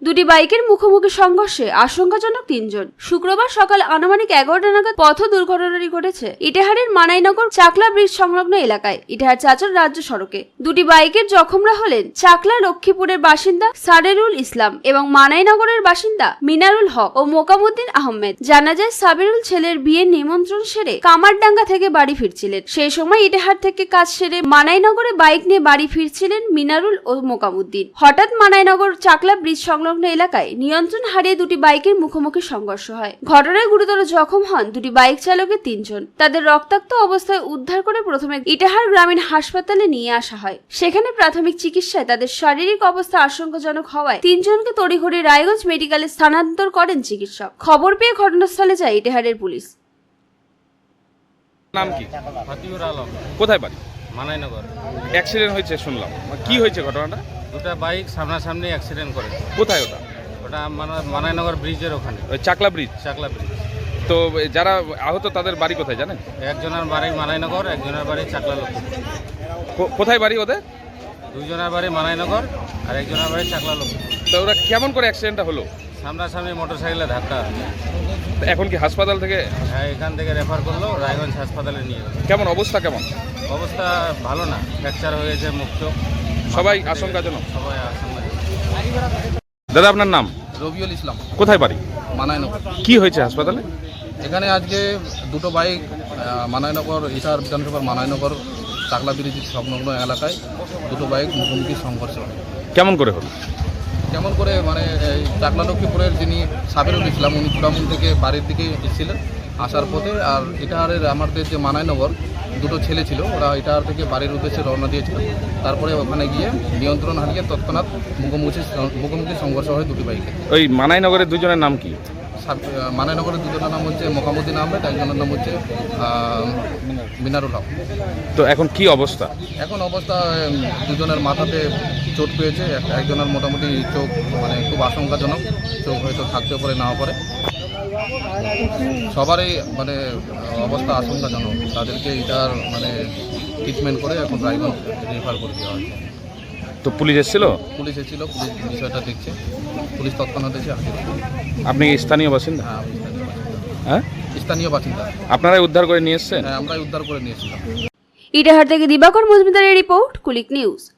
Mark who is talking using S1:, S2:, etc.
S1: দুটি বাইকের মুখোমুখি সংঘর্ষে আশঙ্কাজনক 3 জন। শুক্রবার সকাল আনুমানিক 11টা নাগাদ পথ দুর্ঘটনাটি ঘটেছে ইটাহারের মানাইনগর চাকলা ব্রিজ সংলগ্ন এলাকায় ইটাহার চাচল রাজ্য সড়কে। দুটি বাইকের জখমরা হলেন চাকলা লক্ষ্মীপুরের বাসিন্দা সাবেরুল ইসলাম এবং মানাইনগরের বাসিন্দা মিনারুল হক ও মোকামুদ্দিন আহমেদ। জানা যায় সাবেরুল ছেলের বিয়ের নিমন্ত্রণ সেরে কামারডাঙ্গা থেকে বাড়ি ফিরছিলেন। সেই সময় ইটাহার থেকে কাজ সেরে মানাইনগরে বাইক নিয়ে বাড়ি ফিরছিলেন মিনারুল ও মোকামুদ্দিন। হঠাৎ মানাইনগর চাকলা ব্রিজ সংলগ্ন এলাকায় নিয়ন্ত্রণ হারিয়ে দুটি বাইকের মুখোমুখি সংঘর্ষ হয়। ঘটনায় গুরুতর জখম হন দুটি বাইক চালকের 3 জন। তাদের রক্তাক্ত অবস্থায় উদ্ধার করে প্রথমে ইটাহার গ্রামীণ হাসপাতালে নিয়ে আসা হয়। সেখানে প্রাথমিক চিকিৎসায় তাদের শারীরিক অবস্থা আশঙ্কাজনক হওয়ায় 3 জনকে তড়িঘড়ি রায়গঞ্জ মেডিকেলে স্থানান্তর করেন চিকিৎসক। খবর পেয়ে ঘটনাস্থলে যায় ইটাহারের পুলিশ।
S2: নাম কি?
S3: ফাতিউর আলম।
S2: কোথায় বাড়ি?
S3: মানাইনগর।
S2: অ্যাক্সিডেন্ট হয়েছে শুনলাম, কি হয়েছে ঘটনাটা?
S3: দুটা বাইক সামনাসামনি অ্যাক্সিডেন্ট করে।
S2: কোথায় ওটা?
S3: ওটা মানাইনগর ব্রিজের ওখানে,
S2: ওই চাকলা ব্রিজ।
S3: চাকলা ব্রিজ।
S2: তো যারা আহত তাদের বাড়ি কোথায় জানেন?
S3: একজনের বাড়ি মানাইনগর, একজনের বাড়ি চাকলা লক্ষ্মীপুর।
S2: কোথায় বাড়ি ওদের?
S3: দুইজনের বাড়ি মানাইনগর আর একজনের বাড়ি চাকলা লক্ষ্মীপুর।
S2: তো ওরা কেমন করে অ্যাক্সিডেন্টটা হলো?
S3: সামনাসামনি মোটরসাইকেলে ধাক্কা।
S2: এখন কি হাসপাতাল থেকে?
S3: হ্যাঁ, এখান থেকে রেফার করলো, রায়গঞ্জ হাসপাতালে নিয়ে গেল।
S2: কেমন অবস্থা? কেমন
S3: অবস্থা? ভালো না, ফ্র্যাকচার হয়েছে মুখ চোখ।
S2: সবাই আশঙ্কাজনক?
S3: সবাই আশঙ্কাজনক।
S2: দাদা আপনার নাম?
S4: রবিউল ইসলাম,
S2: কোথায় বাড়ি?
S4: মানাইনগর।
S2: কি হয়েছে হাসপাতালে?
S4: এখানে আজকে দুটো বাইক মানাইনগর ইটাহার বিধানসভার মানাইনগর চাকলা ব্রিজ সংলগ্ন এলাকায় দুটো বাইক মুখোমুখি সংঘর্ষ হয়।
S2: কেমন করে হলো?
S4: কেমন করে মানে এই চাকলা লক্ষ্মীপুরের যিনি সাবেরুল ইসলাম, উনি চূড়ামুন থেকে বাড়ির দিকে এসেছিলেন আসার পথে, আর ইটাহারের আমাদের যে মানাইনগর দুটো ছেলে ছিল, ওরা ইটাহার থেকে বাড়ির উদ্দেশ্যে রওনা দিয়েছিল। তারপরে ওখানে গিয়ে নিয়ন্ত্রণ হারিয়ে তৎক্ষণাৎ মুখোমুখি সংঘর্ষ হয় দুটি বাইকে।
S2: ওই মানাইনগরের দুজনের নাম কি?
S4: মানাইনগরের দুজনের নাম হচ্ছে মোকামুদ্দিন আহমেদ, একজনের নাম হচ্ছে মিনারুল হক।
S2: তো এখন কি অবস্থা?
S4: এখন অবস্থা দুজনের মাথাতে চোট পেয়েছে, একজনের মোটামুটি চোখ মানে খুব আশঙ্কাজনক, চোখ হয়তো থাকতে পারে নাও পারে। সবারই মানে অবস্থা আশঙ্কাজনক, তাদেরকে এটার মানে ট্রিটমেন্ট করে এখন রায়গঞ্জ রেফার করে দেওয়া হয়েছে।
S2: তো পুলিশ এসেছিল?
S4: পুলিশ এসেছিল, পুলিশ বিষয়টা দেখছে, পুলিশ তৎক্ষণাৎ এসে হাজির।
S2: আপনি স্থানীয় বাসিন্দা?
S4: হ্যাঁ, আমি স্থানীয় বাসিন্দা।
S2: হ্যাঁ,
S4: স্থানীয় বাসিন্দা।
S2: আপনারাই উদ্ধার করে নিয়ে এসছেন?
S4: হ্যাঁ, আমরাই উদ্ধার করে নিয়েছিলাম।
S1: ইটাহার থেকে দিবাকর মজুমদারের রিপোর্ট, কুলিক নিউজ।